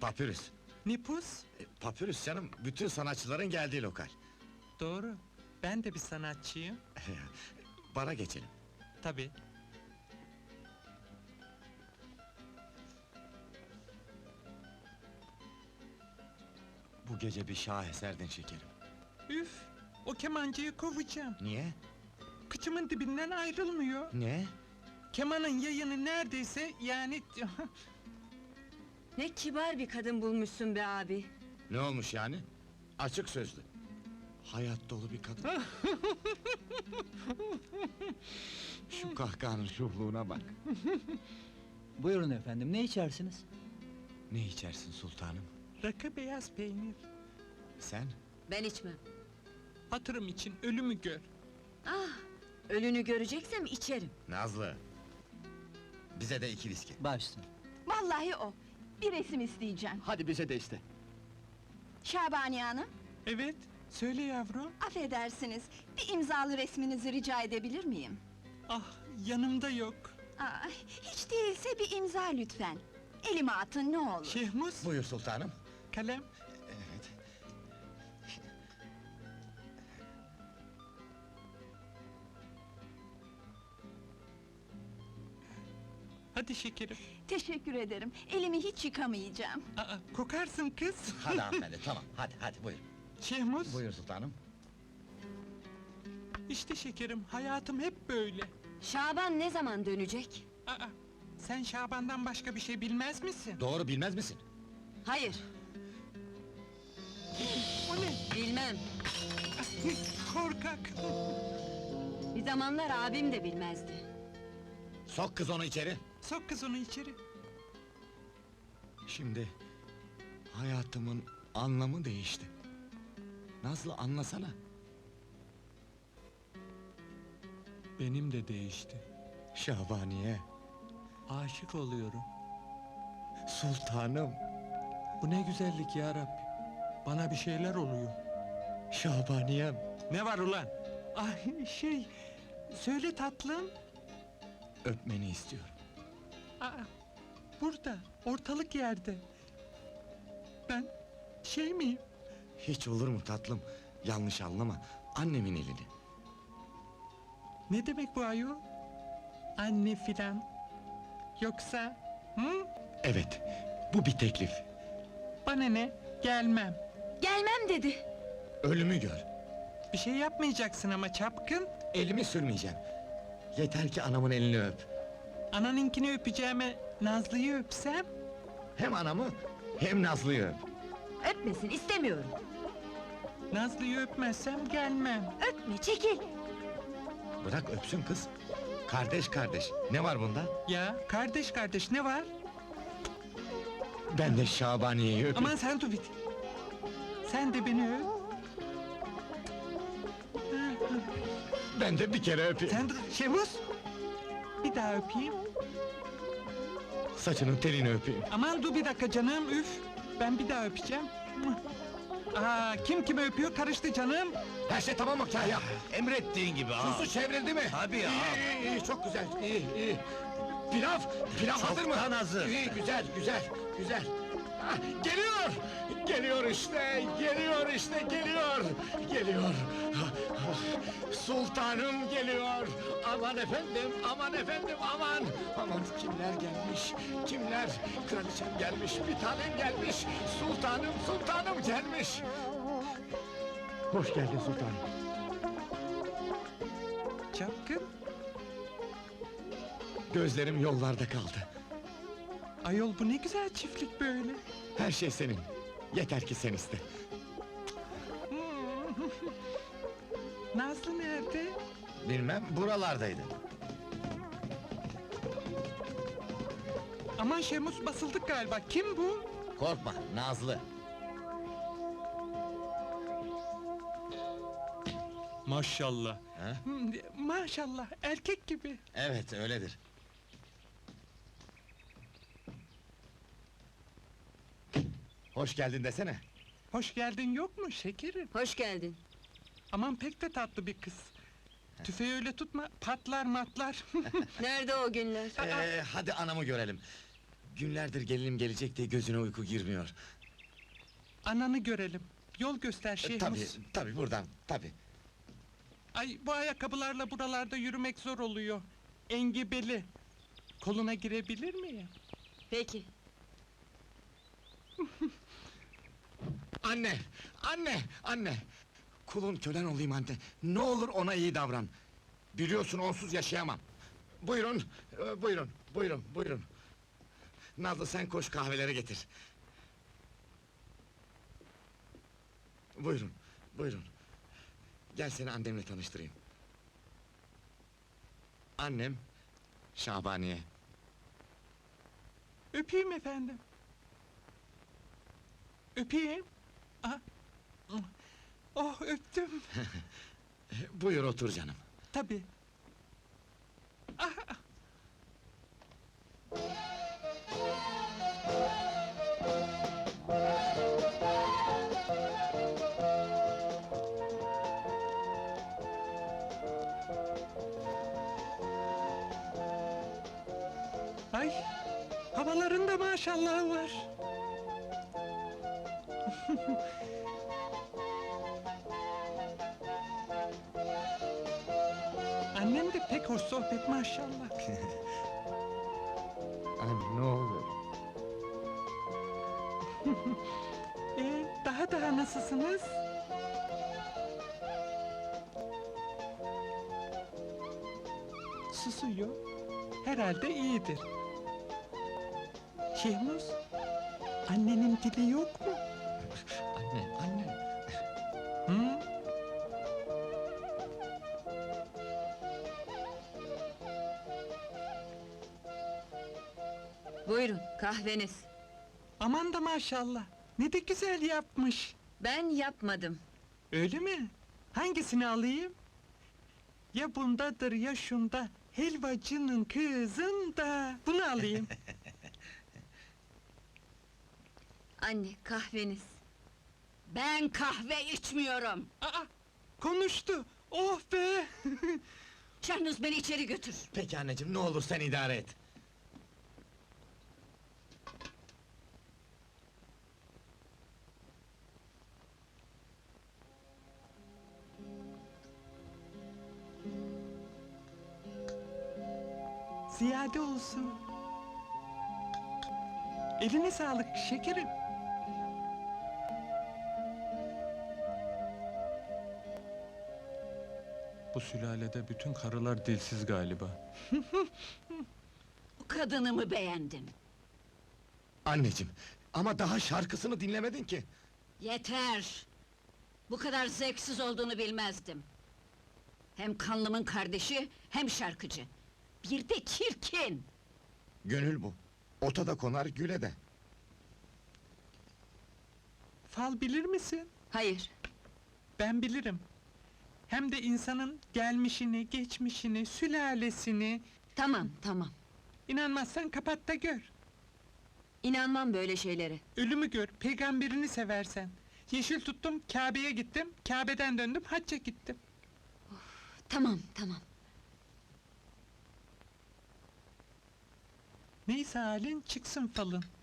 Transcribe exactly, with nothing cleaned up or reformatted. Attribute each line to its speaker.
Speaker 1: Papyrus.
Speaker 2: Nipus?
Speaker 1: E, Papyrus canım, bütün sanatçıların geldiği lokal.
Speaker 2: Doğru. Ben de bir sanatçıyım.
Speaker 1: Bara geçelim.
Speaker 2: Tabii.
Speaker 1: Bu gece bir şaheserdin şekerim.
Speaker 2: Üf! O kemancıyı kovacağım.
Speaker 1: Niye?
Speaker 2: Kıçımın dibinden ayrılmıyor.
Speaker 1: Ne?
Speaker 2: Kemanın yayını neredeyse yani...
Speaker 3: Ne kibar bir kadın bulmuşsun be abi.
Speaker 1: Ne olmuş yani? Açık sözlü. Hayat dolu bir kadın. Şu kahkahanın şuhluğuna bak.
Speaker 4: Buyurun efendim, ne içersiniz?
Speaker 1: Ne içersin sultanım?
Speaker 2: Rakı beyaz peynir.
Speaker 1: Sen?
Speaker 3: Ben içmem.
Speaker 2: Hatırım için ölümü gör.
Speaker 3: Ah, ölünü göreceksem içerim.
Speaker 1: Nazlı! Bize de iki viski.
Speaker 4: Başsın.
Speaker 5: Vallahi o. Bir resim isteyeceğim.
Speaker 4: Hadi bize de iste.
Speaker 5: Şabaniye Hanım,
Speaker 2: Evet, söyle yavrum.
Speaker 5: affedersiniz. Bir imzalı resminizi rica edebilir miyim?
Speaker 2: Ah, yanımda yok.
Speaker 5: Aa, hiç değilse bir imza lütfen. Elime atın ne olur.
Speaker 2: Şehmus,
Speaker 1: Buyur sultanım.
Speaker 2: kalem.
Speaker 1: Evet.
Speaker 2: Hadi şekerim.
Speaker 5: Teşekkür ederim. Elimi hiç yıkamayacağım.
Speaker 2: Aa, kokarsın kız.
Speaker 1: Hadi hanımefendi, tamam. Hadi, hadi buyur.
Speaker 2: Şehmus,
Speaker 1: Buyur sultanım.
Speaker 2: işte şekerim, hayatım hep böyle.
Speaker 3: Şaban ne zaman dönecek?
Speaker 2: Aa, sen Şaban'dan başka bir şey bilmez misin?
Speaker 1: Doğru bilmez misin?
Speaker 3: Hayır,
Speaker 2: O ne?
Speaker 3: bilmem.
Speaker 2: Korkak!
Speaker 3: Bir zamanlar abim de bilmezdi.
Speaker 1: Sok kız onu içeri.
Speaker 2: Sok kız onu içeri.
Speaker 1: Şimdi... hayatımın anlamı değişti. Nazlı anlasana.
Speaker 2: Benim de değişti.
Speaker 1: Şabaniye,
Speaker 2: Aşık oluyorum.
Speaker 1: sultanım,
Speaker 2: Bu ne güzellik ya Rabbi. Bana bir şeyler oluyor.
Speaker 1: Şabaniyem.
Speaker 2: Ne var ulan? Ay şey, söyle tatlım.
Speaker 1: Öpmeni istiyorum.
Speaker 2: Aa, burada, ortalık yerde. Ben şey miyim?
Speaker 1: Hiç olur mu tatlım? Yanlış anlama, annemin elini.
Speaker 2: Ne demek bu ayol? Anne filan. Yoksa, hı?
Speaker 1: Evet, bu bir teklif.
Speaker 2: Bana ne? Gelmem.
Speaker 3: Gelmem dedi.
Speaker 1: Ölümü gör.
Speaker 2: Bir şey yapmayacaksın ama çapkın.
Speaker 1: Elimi sürmeyeceğim. Yeter ki anamın elini öp.
Speaker 2: Ananınkini öpeceğime Nazlı'yı öpsem.
Speaker 1: Hem anamı, hem Nazlı'yı öp.
Speaker 3: Öpmesin, istemiyorum.
Speaker 2: Nazlı'yı öpmezsem gelmem.
Speaker 3: Öpme, çekil.
Speaker 1: Bırak öpsün kız. Kardeş kardeş, ne var bunda?
Speaker 2: Ya kardeş kardeş ne var?
Speaker 1: Ben de Şabaniye'yi öpeyim.
Speaker 2: Aman sen dur bir. Sen de beni öp.
Speaker 1: Ben de bir kere öpeyim.
Speaker 2: Sen dur Şemus. Bir daha öpeyim.
Speaker 1: Saçının telini öpeyim.
Speaker 2: Aman dur bir dakika canım üf. Ben bir daha öpeceğim. Aa, kim kimi öpüyor karıştı canım.
Speaker 1: Her şey tamam mı Kahya?
Speaker 6: Emrettiğin gibi ağam.
Speaker 1: Susu çevrildi mi?
Speaker 6: Tabii
Speaker 1: iyi,
Speaker 6: ağam.
Speaker 1: iyi, iyi, çok güzel, iyi, iyi. Pilav, pilav hazır mı?
Speaker 6: Çoktan hazır.
Speaker 1: İyi, güzel, güzel, güzel. Ah, geliyor! Geliyor işte, geliyor işte, geliyor! Geliyor! Ah, ah, Sultanım geliyor! Aman efendim, aman efendim, aman! Aman kimler gelmiş, kimler? Kraliçem gelmiş, bir tanem gelmiş! Sultanım, sultanım gelmiş! Hoş geldin sultanım.
Speaker 2: Çapkın.
Speaker 1: Gözlerim yollarda kaldı.
Speaker 2: Ayol bu ne güzel çiftlik böyle.
Speaker 1: Her şey senin. Yeter ki sen iste.
Speaker 2: Nazlı nerede?
Speaker 1: Bilmem, buralardaydı.
Speaker 2: Aman Şemus basıldık galiba. Kim bu?
Speaker 1: Korkma, Nazlı.
Speaker 2: Maşallah.
Speaker 1: Ha?
Speaker 2: Hmm, Maşallah erkek gibi.
Speaker 1: Evet, öyledir. Hoş geldin desene.
Speaker 2: Hoş geldin yok mu şekerim?
Speaker 3: Hoş geldin.
Speaker 2: Aman pek de tatlı bir kız. Tüfeği öyle tutma, patlar matlar.
Speaker 3: Nerede o günler?
Speaker 1: Ee, hadi anamı görelim. Günlerdir gelinim gelecek diye gözüne uyku girmiyor.
Speaker 2: Ananı görelim. Yol göster
Speaker 1: E,
Speaker 2: Şehmus.
Speaker 1: tabii, tabii buradan, tabii.
Speaker 2: Ay bu ayakkabılarla buralarda yürümek zor oluyor. Engebeli. Koluna girebilir miyim?
Speaker 3: Peki.
Speaker 1: Anne, anne, anne! Kulun kölen olayım anne. Ne olur ona iyi davran. Biliyorsun onsuz yaşayamam. Buyurun, e, buyurun, buyurun, buyurun. Nazlı sen koş kahvelere getir. Buyurun, buyurun. Gel seni annemle tanıştırayım. Annem, Şabaniye.
Speaker 2: Öpeyim efendim. Öpeyim. Aha. Oh öptüm.
Speaker 1: Buyur otur canım.
Speaker 2: Tabii. Ah, ah. Ay, havalarında maşallah var. Annem de pek hoş sohbet maşallah.
Speaker 1: Anne ne olur.
Speaker 2: Ee, daha daha nasılsınız? Susuyor. Herhalde iyidir. Şehmus, annenin dili yok mu?
Speaker 1: Anne, anne.
Speaker 2: Hı?
Speaker 3: Buyurun, kahveniz.
Speaker 2: Aman da maşallah. Ne de güzel yapmış.
Speaker 3: Ben yapmadım.
Speaker 2: Öyle mi? Hangisini alayım? Ya bundadır ya şunda. Helvacının kızında. Bunu alayım.
Speaker 3: Anne, kahveniz. Ben kahve içmiyorum.
Speaker 2: Aa, konuştu. Oh be!
Speaker 3: Şahnuz beni içeri götür.
Speaker 1: Peki anneciğim ne olur sen idare et.
Speaker 2: Ziyade olsun. Eline sağlık şekerim. Bu sülalede bütün karılar dilsiz galiba.
Speaker 3: Bu kadınımı beğendim.
Speaker 1: Anneciğim, ama daha şarkısını dinlemedin ki.
Speaker 3: Yeter! Bu kadar zevksiz olduğunu bilmezdim. Hem kanlımın kardeşi, hem şarkıcı. Bir de çirkin!
Speaker 1: Gönül bu. Ota da konar, güle de.
Speaker 2: Fal bilir misin?
Speaker 3: Hayır,
Speaker 2: Ben bilirim. Hem de insanın gelmişini, geçmişini, sülalesini...
Speaker 3: tamam, tamam.
Speaker 2: İnanmazsan kapat da gör.
Speaker 3: İnanmam böyle şeylere.
Speaker 2: Ölümü gör, peygamberini seversen. Yeşil tuttum, Kabe'ye gittim, Kabe'den döndüm, hacca gittim.
Speaker 3: Tamam, tamam.
Speaker 2: Neyse halin, çıksın falın.